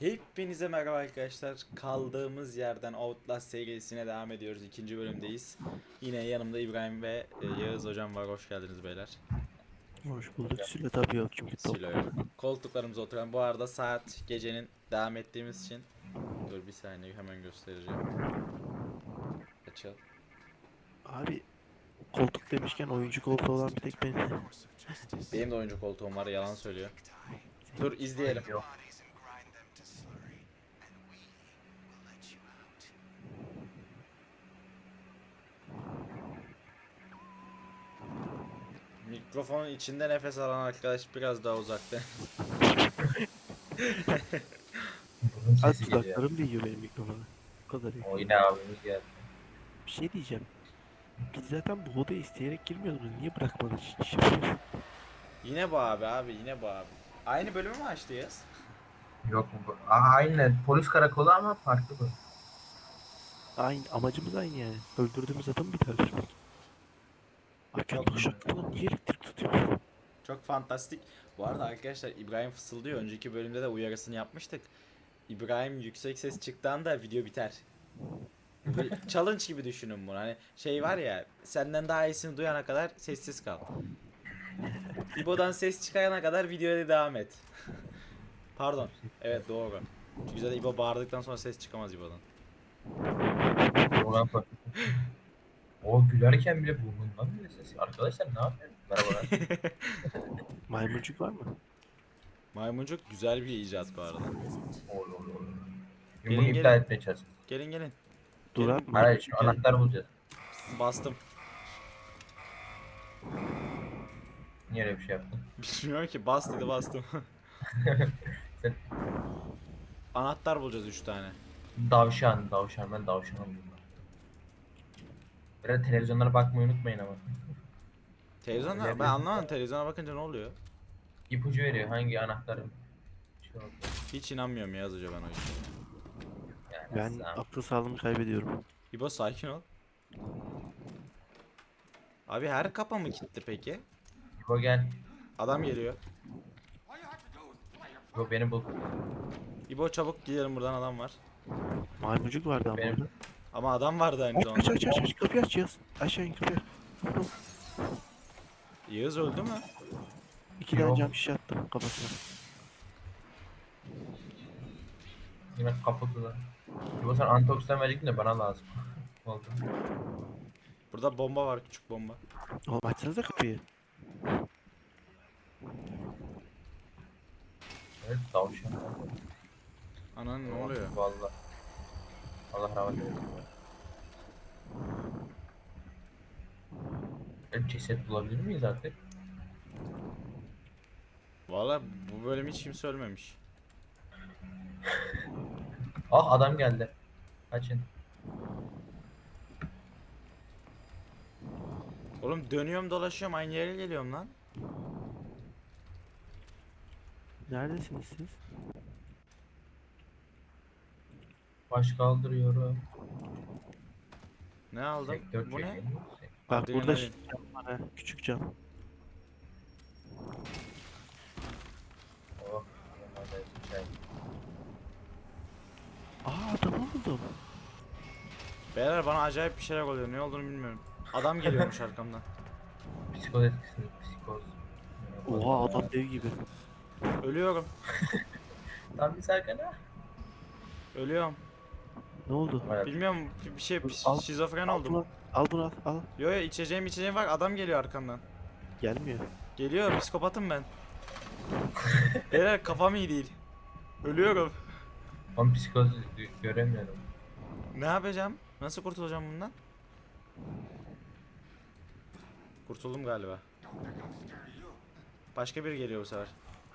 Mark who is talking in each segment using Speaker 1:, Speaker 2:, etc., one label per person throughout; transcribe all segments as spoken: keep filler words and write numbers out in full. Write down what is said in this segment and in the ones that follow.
Speaker 1: Hepinize merhaba arkadaşlar. Kaldığımız yerden Outlast serisine devam ediyoruz. İkinci bölümdeyiz. Yine yanımda İbrahim ve e, Yağız hocam var. Hoş geldiniz beyler.
Speaker 2: Hoş bulduk. Süle tabii yok çünkü top.
Speaker 1: Silo yok. Koltuklarımıza oturan. Bu arada saat gecenin devam ettiğimiz için. Dur bir saniye hemen göstereceğim. Açıl.
Speaker 2: Abi koltuk demişken oyuncu koltuğu olan bir tek benim.
Speaker 1: Benim de oyuncu koltuğum var. Yalan söylüyor. Dur izleyelim. Mikrofonun içinde nefes alan arkadaş biraz daha uzakta.
Speaker 3: Bunun
Speaker 2: Az
Speaker 3: sesi geliyor.
Speaker 2: dudaklarım değiyor benim mikrofona. Bu kadar iyi.
Speaker 3: O yine abimiz geldi.
Speaker 2: Bir şey diyeceğim. Biz zaten bu odaya isteyerek girmiyorduk. Niye bırakmadın hiç?
Speaker 1: Yine bu abi abi yine bu abi. Aynı bölümü mü açtıyız?
Speaker 3: Yok mu? bu? Aa, aynen polis karakolu ama farklı bu.
Speaker 2: Aynı amacımız aynı yani. Öldürdüğümüz adamı bir daha öldürmek. Hakan
Speaker 1: Çok-
Speaker 2: uşaklarına niye elektrik tutuyor?
Speaker 1: Çok fantastik. Bu arada arkadaşlar İbrahim fısıldıyor. Önceki bölümde de uyarısını yapmıştık. İbrahim yüksek ses çıktığında video biter. Böyle challenge gibi düşünün bunu. Hani şey var ya, senden daha iyisini duyana kadar sessiz kal. İbo'dan ses çıkarana kadar videoya devam et. Pardon. Evet doğru. Çünkü zaten İbo bağırdıktan sonra ses çıkamaz İbo'dan.
Speaker 3: Oradan farklı. O gülerken bile burnundan bile ses. Arkadaşlar ne yapıyor? Merhabalar.
Speaker 2: Maymuncuk var mı?
Speaker 1: Maymuncuk güzel bir icat bu arada.
Speaker 3: Ol ol ol.
Speaker 1: Gelin,
Speaker 3: Bunu
Speaker 1: gelin.
Speaker 3: iptal etmeye çalışacağız.
Speaker 1: Gelin gelin.
Speaker 2: Dur
Speaker 1: Gelin.
Speaker 2: abi
Speaker 3: Hayır
Speaker 2: maymuncuk
Speaker 3: şu
Speaker 2: gel.
Speaker 3: anahtar bulacağız.
Speaker 1: Bastım.
Speaker 3: Niye öyle bir şey yaptın?
Speaker 1: Bilmiyorum ki, bas dedi bastım.
Speaker 3: Sen
Speaker 1: Anahtar bulacağız üç tane.
Speaker 3: davşan, davşan ben davşanım bunlar. Biraz televizyonlara bakmayı unutmayın ama.
Speaker 1: Televizyona ben
Speaker 3: Öyle
Speaker 1: anlamadım, televizyona bakınca ne oluyor?
Speaker 3: İpucu veriyor hangi anahtarın. Şey oldu.
Speaker 1: Hiç inanmıyorum Yağız Hoca ben o işe.
Speaker 3: Yani
Speaker 2: Ben
Speaker 3: sen-
Speaker 2: akıl sağlığımı kaybediyorum.
Speaker 1: İbo sakin ol. Abi her kapı mı kilitli peki?
Speaker 3: İbo gel.
Speaker 1: Adam geliyor.
Speaker 3: İbo beni bul.
Speaker 1: İbo çabuk gidelim, buradan adam var.
Speaker 2: Maymuncuk vardı ama
Speaker 3: Benim-
Speaker 2: orada.
Speaker 1: Ama adam vardı aynı
Speaker 2: Aç aç
Speaker 1: zamanda.
Speaker 2: aç aç aç kapıyı aç yaz. Aşağı in kapıyı aç.
Speaker 1: Yağız öldü mü?
Speaker 2: İki tane
Speaker 3: Yok.
Speaker 2: cam şişe attım kafasına.
Speaker 3: Yine kapattılar. İbo sen antioksidan verecektin de bana lazım. Oldu.
Speaker 1: Burada bomba var, küçük bomba.
Speaker 2: Oğlum açsanıza kapıyı.
Speaker 3: Evet tavşan.
Speaker 1: Anan ne oluyor?
Speaker 3: Vallahi. Allah rahmet eylesin. Evet, ceset bulabilir miyiz artık?
Speaker 1: Valla bu bölüm hiç kimse ölmemiş.
Speaker 3: Ah adam geldi. Kaçın.
Speaker 1: Oğlum dönüyorum dolaşıyorum aynı yere geliyorum lan.
Speaker 2: Neredesiniz siz?
Speaker 3: Baş kaldırıyorum.
Speaker 1: Ne aldım?
Speaker 3: Sektör
Speaker 1: Bu ne?
Speaker 3: çekeyim.
Speaker 2: Bak
Speaker 1: Adrenalin.
Speaker 2: burada şey cam var ha. Küçük cam.
Speaker 3: Oh. yanlarda çay.
Speaker 2: Aa adamı buldum.
Speaker 1: Beyler bana acayip bir şeyler oluyor. Ne olduğunu bilmiyorum. Adam geliyormuş arkamdan.
Speaker 3: Psikoz etkisi. Psikoz.
Speaker 2: Oha adam dev gibi.
Speaker 1: Ölüyorum.
Speaker 3: Tam bir sakana.
Speaker 1: Ölüyorum.
Speaker 2: Ne oldu?
Speaker 1: Bilmiyorum, bir şey
Speaker 2: Dur, al-
Speaker 1: şizofren
Speaker 2: Al
Speaker 1: oldum.
Speaker 2: bunu al. Al bunu al. Al.
Speaker 1: Yo yo, içeceğim içeceğim var, adam geliyor arkamdan.
Speaker 2: Gelmiyor.
Speaker 1: Geliyor, psikopatım ben. Beyler kafam iyi değil. Ölüyorum.
Speaker 3: Ben psikoz gö- göremiyorum.
Speaker 1: Ne yapacağım? Nasıl kurtulacağım bundan? Kurtuldum galiba. Başka biri geliyor bu sefer.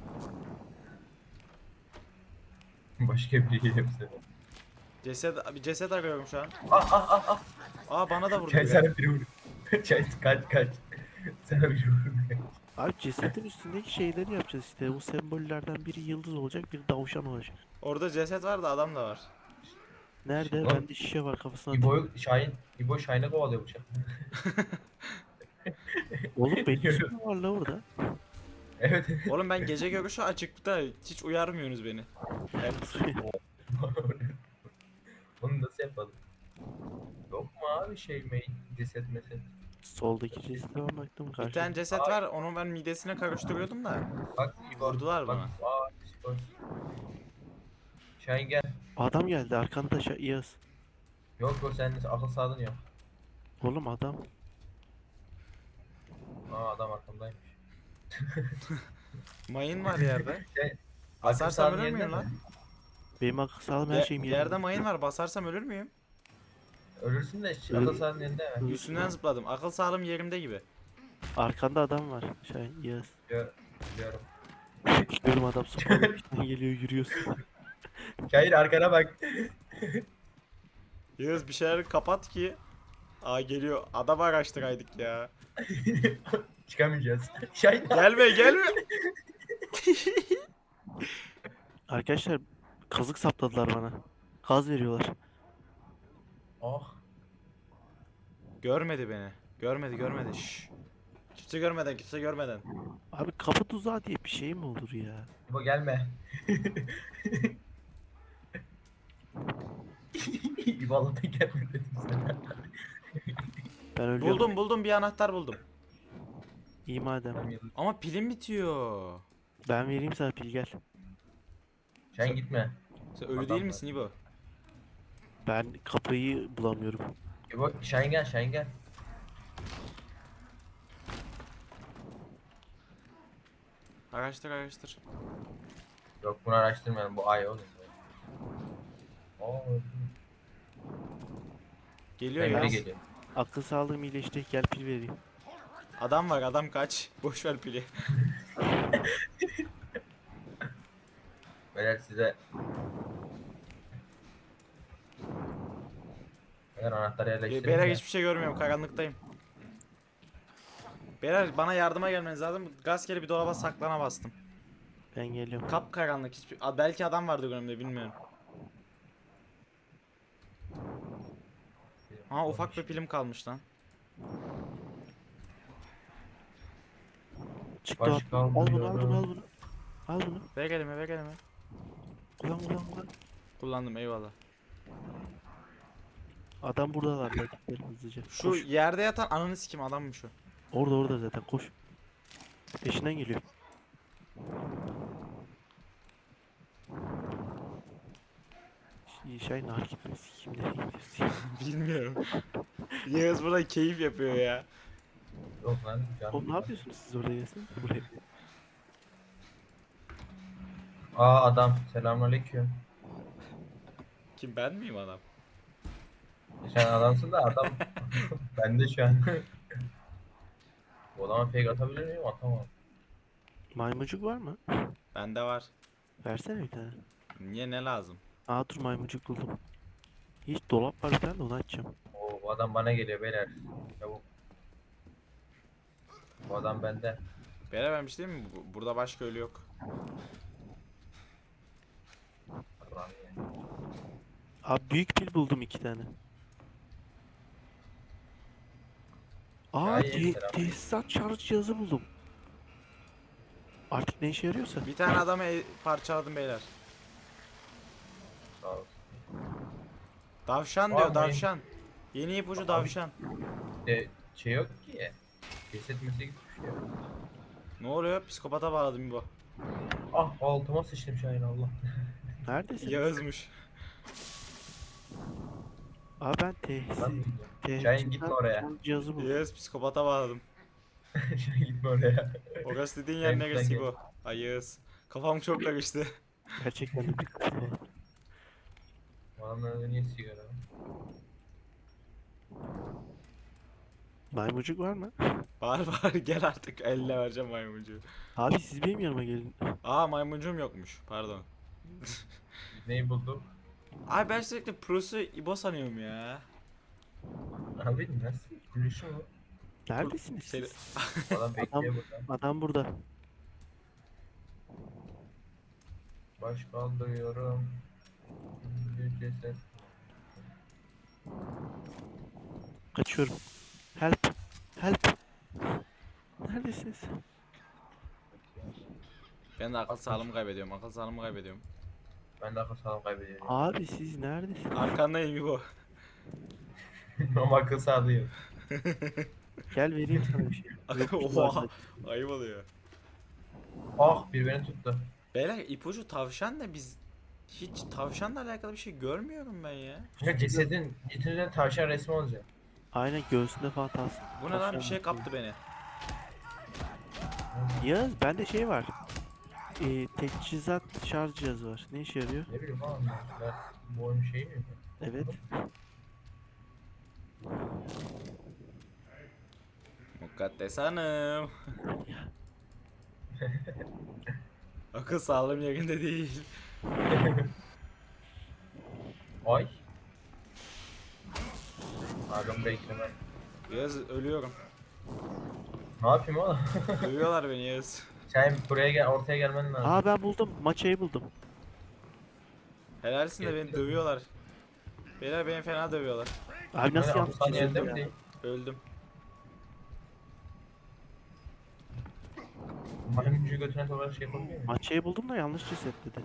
Speaker 3: Başka biri geliyor bize.
Speaker 1: Ceset, bir ceset arıyorum şu an.
Speaker 3: Ah ah ah ah.
Speaker 1: Aa bana da vurdu
Speaker 3: Çay
Speaker 1: biri.
Speaker 3: sana biri vurdu. Çay kaç kaç. Sana biri vurdu.
Speaker 2: Abi cesedin üstündeki şeyleri yapacağız işte. Bu sembollerden biri yıldız olacak, biri davşan olacak.
Speaker 1: Orada ceset var da adam da var.
Speaker 2: Nerede?
Speaker 3: Oğlum,
Speaker 2: Bende şişe var kafasına atayım.
Speaker 3: İbo'yu Şahin, İbo Şahin'e kovalıyor bıçak.
Speaker 2: Oğlum benim üstüm var la orada.
Speaker 3: Evet.
Speaker 1: Oğlum ben gece görüşü açıkta hiç uyarmıyorsunuz beni. Evet.
Speaker 3: Bunu nasıl yapalım? Yok mu abi şey mail ceset meset?
Speaker 2: Soldaki cesete ben baktım
Speaker 1: Bir
Speaker 2: karşıda.
Speaker 1: tane ceset var, onu ben midesine karıştırıyordum da
Speaker 3: Bak İbo.
Speaker 1: vurdular
Speaker 3: Bak
Speaker 1: bana.
Speaker 3: aa psikos. Şahin gel.
Speaker 2: Adam geldi arkanda şa- Yağız.
Speaker 3: Yok o sende akıl sağlığın yok.
Speaker 2: Oğlum adam.
Speaker 3: Aa adam arkamdaymış.
Speaker 1: Mayın var yerde.
Speaker 3: Şey, akıl
Speaker 1: Basarsam
Speaker 3: sağlığın
Speaker 1: ölür
Speaker 3: yerinde
Speaker 1: müyüm
Speaker 3: mi?
Speaker 1: lan?
Speaker 2: Benim akıl sağlığım her
Speaker 1: Ye-
Speaker 2: şeyim yerinde.
Speaker 1: yerde mayın var, basarsam ölür müyüm?
Speaker 3: Ölürsün de
Speaker 2: Öl-
Speaker 3: akıl sağlığın yerinde mi?
Speaker 2: Öl-
Speaker 1: Üstünden zıpladım. Akıl sağlığım yerimde gibi.
Speaker 2: Arkanda adam var. Şahin Yağız.
Speaker 3: Gör, biliyorum.
Speaker 2: Görüm adam sopalı peşinden geliyor yürüyorsun.
Speaker 3: Şahin arkana bak.
Speaker 1: Yağız bir şeyler kapat ki. Aa geliyor. Adam araştıraydık ya.
Speaker 3: Çıkamayacağız. Şahin
Speaker 1: Gelme gelme.
Speaker 2: Arkadaşlar kazık sapladılar bana. Gaz veriyorlar.
Speaker 3: Oh.
Speaker 1: Görmedi beni. Görmedi görmedi. Şşş. Kimse görmeden kimse görmeden.
Speaker 2: Abi kapı tuzağı diye bir şey mi olur ya?
Speaker 3: İbo gelme. İbo Allah'tan gelme dedim sana.
Speaker 2: Ben ölüyorum.
Speaker 1: Buldum buldum bir anahtar buldum.
Speaker 2: İyi madem.
Speaker 3: Tamam, yıldız.
Speaker 1: Ama pilim bitiyor.
Speaker 2: Ben vereyim sana pil gel.
Speaker 3: Şahin gitme.
Speaker 1: Sen ölü
Speaker 3: Adam
Speaker 1: değil
Speaker 3: var.
Speaker 1: misin İbo?
Speaker 2: Ben kapıyı bulamıyorum.
Speaker 3: İbo Şahin gel Şahin gel.
Speaker 1: Araştır araştır.
Speaker 3: Yok bunu araştırmayalım bu ay oğlum. Oo.
Speaker 1: Geliyor
Speaker 3: Ben
Speaker 1: ya.
Speaker 3: geri geliyorum.
Speaker 2: Akıl sağlığım iyileşti. Gel pil vereyim.
Speaker 1: Adam var adam kaç. Boş ver pili.
Speaker 3: Beyler size Beyler anahtarı yerleştirin
Speaker 1: Beyler
Speaker 3: de.
Speaker 1: hiçbir şey görmüyorum karanlıktayım. Beyler bana yardıma gelmeniz lazım. Gazkeli bir dolaba saklana bastım.
Speaker 2: Ben geliyorum.
Speaker 1: Kap karanlık hiçbir... Aa, belki adam vardı önümde bilmiyorum. Ha ufak bir pilim kalmış lan.
Speaker 2: Çıktı
Speaker 3: Baş
Speaker 2: at. Al bunu al bunu al
Speaker 3: kaldırıyorum.
Speaker 2: bunu. Al bunu.
Speaker 1: Ver elime ver elime.
Speaker 2: Kullan kullan kullan.
Speaker 1: Kullandım eyvallah.
Speaker 2: Adam buradalar. Hadi gidelim hızlıca.
Speaker 1: Şu
Speaker 2: Koş.
Speaker 1: yerde yatan ananı sikim adammış o.
Speaker 2: Orada orada zaten koş. Peşinden geliyor. Ş- Şahin hareketini sikeyim nereye gidiyorsun?
Speaker 1: Bilmiyorum. Yağız burada keyif yapıyor ya.
Speaker 3: Yok lan canım.
Speaker 2: Oğlum ne yapıyorsunuz siz orada gelsene buraya.
Speaker 3: Aa adam selamünaleyküm.
Speaker 1: Kim ben miyim adam?
Speaker 3: Sen adamsın da adam. Ben de şu an. Bu adama fake atabilir miyim? Atamam.
Speaker 2: Maymuncuk var mı?
Speaker 1: Bende var.
Speaker 2: Versene bir tane.
Speaker 1: Niye ne lazım?
Speaker 2: Aa dur maymuncuk buldum. Hiç dolap var bir tane de onu açacağım.
Speaker 3: Oo, bu adam bana geliyor beyler. Çabuk. Bu adam bende.
Speaker 1: Bere vermiş değil mi? Bu- Burada başka ölü yok.
Speaker 3: Allah'ım ya.
Speaker 2: Abi büyük pil buldum iki tane. Aa
Speaker 3: Ya, iyi,
Speaker 2: te-
Speaker 3: selam.
Speaker 2: tesisat şarj cihazı buldum. Artık ne işe yarıyorsa.
Speaker 1: Bir tane adamı e- parçaladım beyler.
Speaker 3: Sağ ol.
Speaker 1: Davşan
Speaker 3: Var
Speaker 1: diyor
Speaker 3: mı?
Speaker 1: davşan. Yeni ipucu davşan.
Speaker 3: De, şey yok ki. Ceset mese gitmiş ya.
Speaker 1: Ne oluyor? Psikopata bağladım bu.
Speaker 3: Ah altıma sıçtım Şahin Allah.
Speaker 2: Neredesin?
Speaker 1: Yağızmış.
Speaker 2: Aa ben
Speaker 3: Ben
Speaker 2: tesis,
Speaker 3: mi
Speaker 2: tesisat
Speaker 3: Şahin gitme oraya.
Speaker 2: şarj cihazı buldum.
Speaker 1: Yağız psikopata bağladım.
Speaker 3: Şahin gitme oraya.
Speaker 1: Orası dediğin yer
Speaker 3: Ben-
Speaker 1: neresi
Speaker 3: ben
Speaker 1: bu? Ay Yağız. Kafam çok karıştı.
Speaker 2: Gerçekten de bir kafa var.
Speaker 3: Bu adamın niye sigara?
Speaker 2: Maymuncuk var mı?
Speaker 1: Var var gel artık eline vereceğim maymuncuğu.
Speaker 2: Abi siz benim yanıma gelin.
Speaker 1: Aa maymuncuğum yokmuş pardon.
Speaker 3: Neyi bulduk?
Speaker 1: Ay ben sürekli Pro'su İbo sanıyorum ya.
Speaker 3: Abi nasıl? Gülüşü mü?
Speaker 2: Neredesiniz
Speaker 1: Seni...
Speaker 2: siz?
Speaker 3: Adam bekliyor burada.
Speaker 2: Adam burada.
Speaker 3: Baş kaldırıyorum. Bir ceset.
Speaker 2: Kaçıyorum. Help. Help. Neredesiniz?
Speaker 1: Ben de akıl
Speaker 3: Altmış.
Speaker 1: sağlığımı kaybediyorum. Akıl sağlığımı kaybediyorum.
Speaker 3: Ben de akıl sağlığımı kaybediyorum.
Speaker 2: Abi siz neredesiniz?
Speaker 1: Arkandayım İbo.
Speaker 3: Ama akıl sağlığı yok.
Speaker 2: Gel vereyim sana bir şey. Yok bir şey var
Speaker 1: Oha.
Speaker 2: zaten.
Speaker 1: Ayıp oluyor.
Speaker 3: Ah bir beni tuttu.
Speaker 1: Beyler ipucu tavşan da biz hiç tavşanla alakalı bir şey görmüyorum ben ya.
Speaker 3: Ya cesedin, cesedin tavşan resmi olacak.
Speaker 2: Aynen göğsünde falan tas.
Speaker 1: Bu ne lan, bir şey kaptı beni.
Speaker 2: Yağız bende şey var. Ee, teçhizat şarj cihazı var. Ne işe yarıyor?
Speaker 3: Ne bileyim oğlum ben, bu oyun şeyi mi?
Speaker 2: Evet.
Speaker 1: Mukaddes Hanım. Akıl sağlığım yerinde değil.
Speaker 3: Ay. Pardon bekleme.
Speaker 1: Yağız ölüyorum.
Speaker 3: Ne yapayım oğlum?
Speaker 1: Dövüyorlar beni Yağız.
Speaker 3: Sen buraya gel, ortaya gelmen lazım.
Speaker 2: Aa ben buldum. Maçayı buldum.
Speaker 1: Helalsin de beni dövüyorlar. Beyler beni fena dövüyorlar.
Speaker 2: Abi nasıl
Speaker 3: Hani
Speaker 2: yanlış
Speaker 3: Hasan yerinde
Speaker 2: çizildi
Speaker 3: mi
Speaker 2: ya?
Speaker 3: değil?
Speaker 1: Öldüm.
Speaker 3: Maymuncu götüne sokarak şey yapabiliyor muyum?
Speaker 2: Maçayı buldum da yanlış ceset dedi.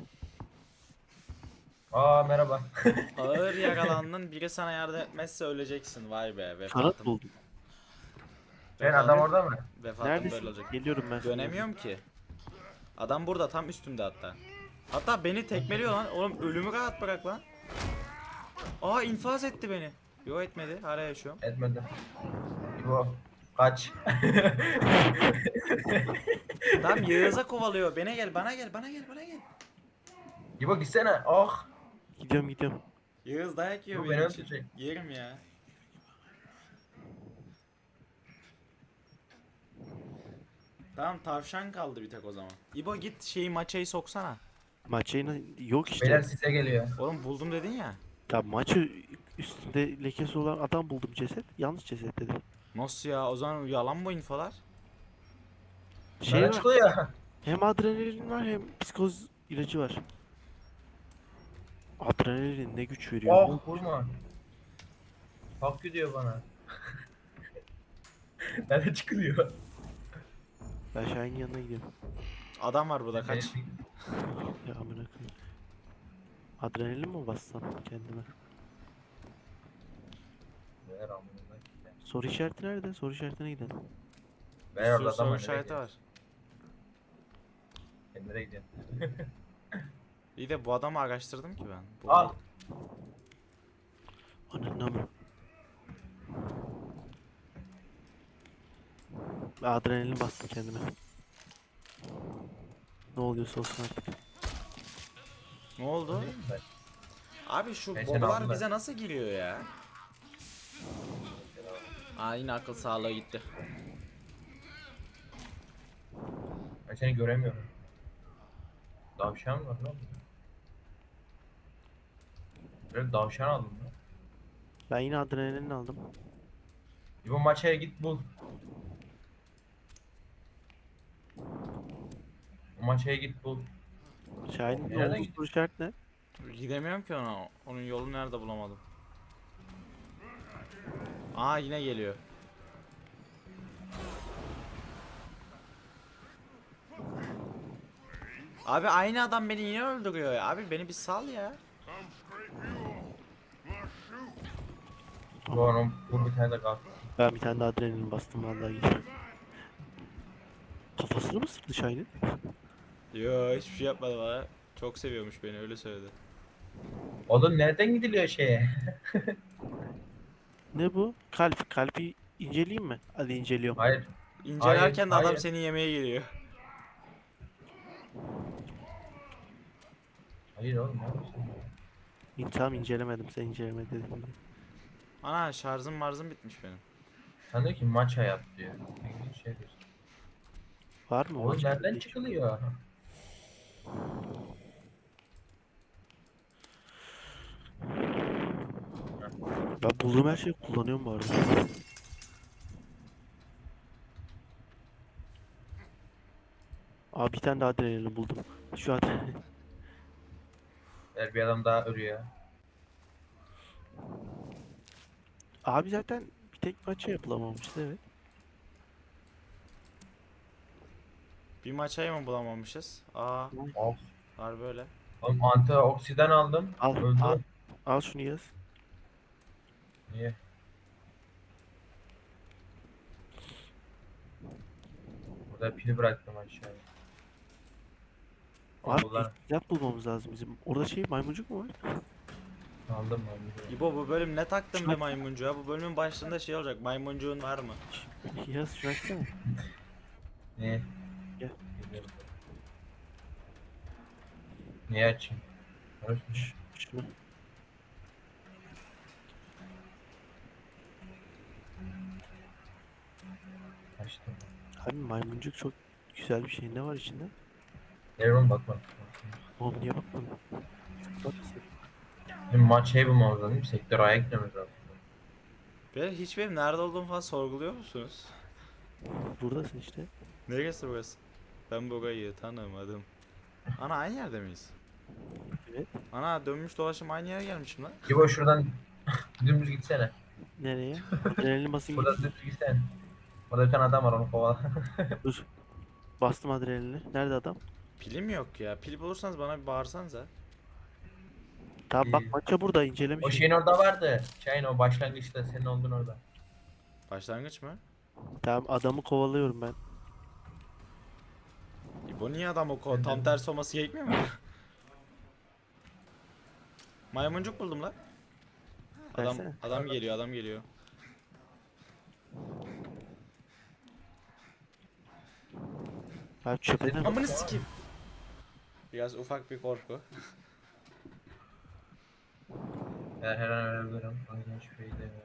Speaker 3: Aa merhaba.
Speaker 1: Ağır yaralandın, biri sana yardım etmezse öleceksin. Vay be,
Speaker 2: Kanat
Speaker 1: vefatım.
Speaker 2: buldum.
Speaker 3: Ben adam orada mı?
Speaker 1: Vefatım böyle
Speaker 2: Neredesin?
Speaker 1: olacak.
Speaker 2: Geliyorum ben sana.
Speaker 1: Dönemiyorum ki. Adam burada, tam üstümde hatta. Hatta beni tekmeliyor lan. Oğlum ölümü rahat bırak lan. Aa, infaz etti beni. Yo, etmedi. Hala yaşıyorum.
Speaker 3: Etmedi. İbo. Kaç.
Speaker 1: Tamam, Yağız'a kovalıyor. Bana gel, bana gel, bana gel, bana gel.
Speaker 3: İbo gitsene. Ah.
Speaker 2: Gidiyorum gidiyorum.
Speaker 1: Yağız dayak yiyor
Speaker 3: Bu
Speaker 1: benim
Speaker 3: beni
Speaker 1: için.
Speaker 3: öldürecek.
Speaker 1: Yerim ya. Tamam, tavşan kaldı bir tek o zaman. İbo git şeyi, maçayı soksana.
Speaker 2: Maçayı yok işte.
Speaker 3: Beyler size geliyor.
Speaker 1: Oğlum buldum dedin ya.
Speaker 2: Ya maçı üstünde lekesi olan adam buldum ceset. Yanlış ceset dedi.
Speaker 1: Nasıl ya? O zaman yalan bu infolar.
Speaker 2: Şey
Speaker 3: Bana
Speaker 2: var.
Speaker 3: çıkıyor.
Speaker 2: Hem adrenalin var hem psikoz ilacı var. Adrenalin ne güç veriyor.
Speaker 3: Oh vurma. Hak gidiyor bana. Nerede çıkılıyor?
Speaker 2: Ben Şahin'in yanına gidiyorum.
Speaker 1: Adam var burada, kaç.
Speaker 2: Ya amına koyayım. Adrenalin mi bassam kendime?
Speaker 3: Ver amına.
Speaker 2: Soru işareti nerede? Soru işaretine gidelim.
Speaker 1: Bir
Speaker 3: Ver
Speaker 1: sürü
Speaker 3: orada
Speaker 1: soru
Speaker 3: adam
Speaker 1: işareti var.
Speaker 3: Nereye gidiyorsun?
Speaker 1: İyi de bu adamı araştırdım ki ben. Bu
Speaker 3: Al.
Speaker 2: Ananı mı? Ben adrenalin bastım kendime. Ne oluyorsa olsun artık.
Speaker 1: Ne oldu? Abi şu
Speaker 3: Ben seni
Speaker 1: bobalar
Speaker 3: aldım
Speaker 1: bize nasıl giriyor ya? Aa, yine akıl sağlığı gitti.
Speaker 3: Ben seni göremiyorum. Davşan var lan. Böyle davşan aldım lan.
Speaker 2: Ben yine adrenalin aldım.
Speaker 3: İbo maçaya git bul. O maçaya git bul.
Speaker 2: Şahin'in ne
Speaker 3: Nereden
Speaker 2: oldu?
Speaker 3: gidiyor?
Speaker 2: Soru işareti ne?
Speaker 1: Gidemiyorum ki ona. Onun yolunu nerede bulamadım. Aa, yine geliyor. Abi aynı adam beni yine öldürüyor ya. Abi beni bir sal ya.
Speaker 3: Bu onun vur bir tane de kalk.
Speaker 2: Ben bir tane de adrenalin bastım vallahi gidiyor. Kafasını mı sıktı Şahin'in?
Speaker 1: Yo, hiçbir şey yapmadı bana. Çok seviyormuş beni, öyle söyledi.
Speaker 3: Oğlum nereden gidiliyor şeye?
Speaker 2: Ne bu? Kalp. Kalbi inceleyeyim mi? Hadi inceliyorum.
Speaker 3: Hayır.
Speaker 1: İncelerken de adam
Speaker 3: hayır.
Speaker 1: seni yemeye geliyor.
Speaker 3: Hayır oğlum ne yapıyorsun?
Speaker 2: İn- Tamam incelemedim. Sen inceleme dedin diye.
Speaker 1: Ana, şarjım marzım bitmiş benim.
Speaker 3: Sen diyor ki maç hayat diyor. Ne şey diyorsun?
Speaker 2: Var mı?
Speaker 3: Oğlum
Speaker 2: Maç-
Speaker 3: nereden çıkılıyor?
Speaker 2: Ben bulduğum her şeyi kullanıyorum bu arada. Abi bir tane daha adrenalin buldum. Şu adrenalin.
Speaker 3: Eğer bir adam daha ölüyor.
Speaker 2: Abi zaten bir tek maça yapılamamıştı evet.
Speaker 1: Bir maçayı mı bulamamışız? Aa,
Speaker 3: Of.
Speaker 1: var böyle.
Speaker 3: Oğlum antioksidan aldım.
Speaker 2: Al,
Speaker 3: Öldü.
Speaker 2: al. Al şunu yaz.
Speaker 3: Niye? Burada pili bıraktım aşağıya.
Speaker 2: Abi
Speaker 3: Bunlar
Speaker 2: silah bulmamız lazım bizim. Orada şey maymuncuk mu var?
Speaker 3: aldım ben. bir de.
Speaker 1: İbo bu bölüm ne taktın be maymuncuğa? Bu bölümün başında şey olacak. Maymuncuğun var mı?
Speaker 2: Yaz şunu açsana.
Speaker 3: Niye?
Speaker 2: Gel.
Speaker 3: Biliyorum. Niye açayım? Konuşmuş.
Speaker 2: Ş- Şunu.
Speaker 3: Açtım.
Speaker 2: Abi maymuncuk çok güzel bir şey. Ne var içinde?
Speaker 3: Evren bakma.
Speaker 2: Oğlum niye bakmadın? Bak
Speaker 3: Şimdi maç şey bulmamız lazım değil mi? Sektör A'ya gitmemiz lazım.
Speaker 1: Be hiç benim nerede olduğumu falan sorguluyor musunuz?
Speaker 2: buradasın işte.
Speaker 1: Neresi burası? Ben burayı tanımadım. Ana aynı yerde miyiz?
Speaker 2: Evet.
Speaker 1: Ana dönmüş dolaşım aynı yere gelmişim lan.
Speaker 3: İbo şuradan dümdüz gitsene.
Speaker 2: Nereye? Adrenalin basayım
Speaker 3: Burada
Speaker 2: gideyim.
Speaker 3: dümdüz gitsene. Burada bir tane adam var onu kovala.
Speaker 2: Dur. Bastım adrenalini. Nerede adam?
Speaker 1: Pilim yok ya. Pil bulursanız bana bir bağırsanıza.
Speaker 2: Tamam bak
Speaker 3: İyi.
Speaker 2: maça burada incelemiş.
Speaker 3: O şeyin orada vardı. Şeyin o başlangıçta senin olduğun orada.
Speaker 1: Başlangıç mı?
Speaker 2: Tamam adamı kovalıyorum ben.
Speaker 1: İbo niye adam o ko tam tersi olması gerekmiyor mu? Maymuncuk buldum lan. Adam
Speaker 2: Versene.
Speaker 1: adam geliyor, adam geliyor.
Speaker 2: Abi çöpe ne?
Speaker 1: Amını sikeyim. Biraz ufak bir korku.
Speaker 3: Eğer her an ölebilirim. O yüzden şüpheyi demiyorum.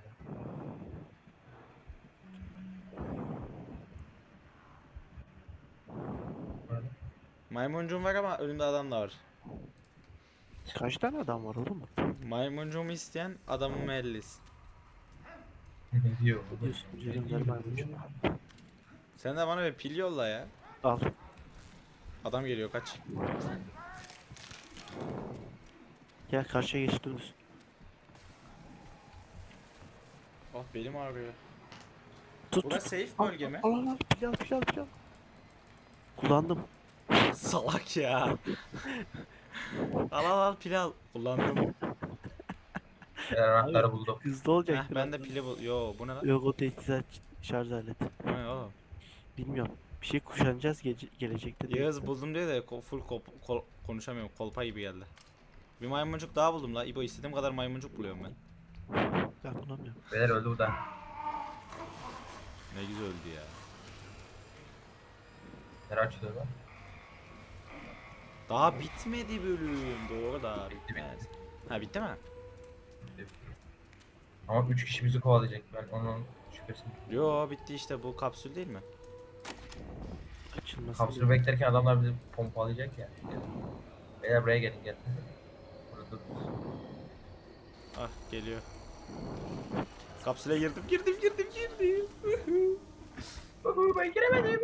Speaker 3: Böyle.
Speaker 1: Maymuncuğum var ama önümde adam da var.
Speaker 2: Kaç tane adam var oğlum?
Speaker 1: Maymuncuğumu isteyen adamımı ellesin.
Speaker 3: Ne diyor?
Speaker 2: Ne diyorsun canım ver maymuncuk.
Speaker 1: Sen de bana bir pil yolla ya.
Speaker 2: Al.
Speaker 1: Adam geliyor kaç.
Speaker 2: Gel karşıya geç dönüş.
Speaker 1: Oh belim ağrıyor.
Speaker 2: Tut
Speaker 1: Burası
Speaker 2: tut.
Speaker 1: safe bölge mi?
Speaker 2: Al al al pil al pil al pil al. Kullandım.
Speaker 1: Salak ya. Al al al pil al. Kullandım.
Speaker 3: Eğer anahtarı buldum.
Speaker 2: Hızlı
Speaker 1: Heh,
Speaker 2: olacaktır.
Speaker 1: ben de pili bul. Yo bu ne lan?
Speaker 2: Yok o teçhizat şarj aleti.
Speaker 1: Bu ne oğlum?
Speaker 2: Bilmiyorum. Bir şey kuşanacağız gece gelecekte. diye.
Speaker 1: Yağız buldum diye de ko- full kop- kol- konuşamıyorum. Kolpa gibi geldi. Bir maymuncuk daha buldum la. İbo istediğim kadar maymuncuk buluyorum ben.
Speaker 2: Ben bulamıyorum.
Speaker 3: Beyler öldü bu da.
Speaker 1: Ne güzel öldü ya.
Speaker 3: Nereye açılıyor lan?
Speaker 1: Daha bitmedi bölüm. Doğru da bitmez. Ha bitti mi?
Speaker 3: Ama üç kişi bizi kovalayacak. Ben onun şüphesini.
Speaker 1: Yo bitti işte bu kapsül değil mi?
Speaker 2: Açılması.
Speaker 3: Kapsülü beklerken adamlar bizi pompalayacak ya. Beyler buraya gelin gel. Burada
Speaker 1: Ah geliyor. Kapsüle girdim girdim girdim girdim.
Speaker 3: ben giremedim.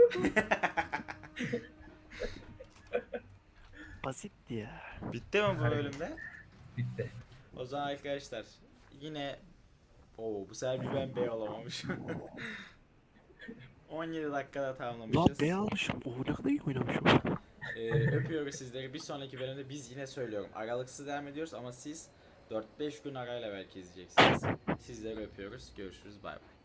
Speaker 2: Basitti ya.
Speaker 1: Bitti mi bu bölümde?
Speaker 3: Bitti.
Speaker 1: O zaman arkadaşlar yine Oo bu sefer bir ben bey olamamışım. on yedi dakikada
Speaker 2: Lan
Speaker 1: tamamlamışız.
Speaker 2: B almışım. Oo ne kadar iyi oynamışım.
Speaker 1: Ee, öpüyoruz sizleri. Bir sonraki bölümde biz yine söylüyorum. Aralıksız devam ediyoruz ama siz dört beş gün arayla belki izleyeceksiniz. Sizleri öpüyoruz. Görüşürüz. Bay bay.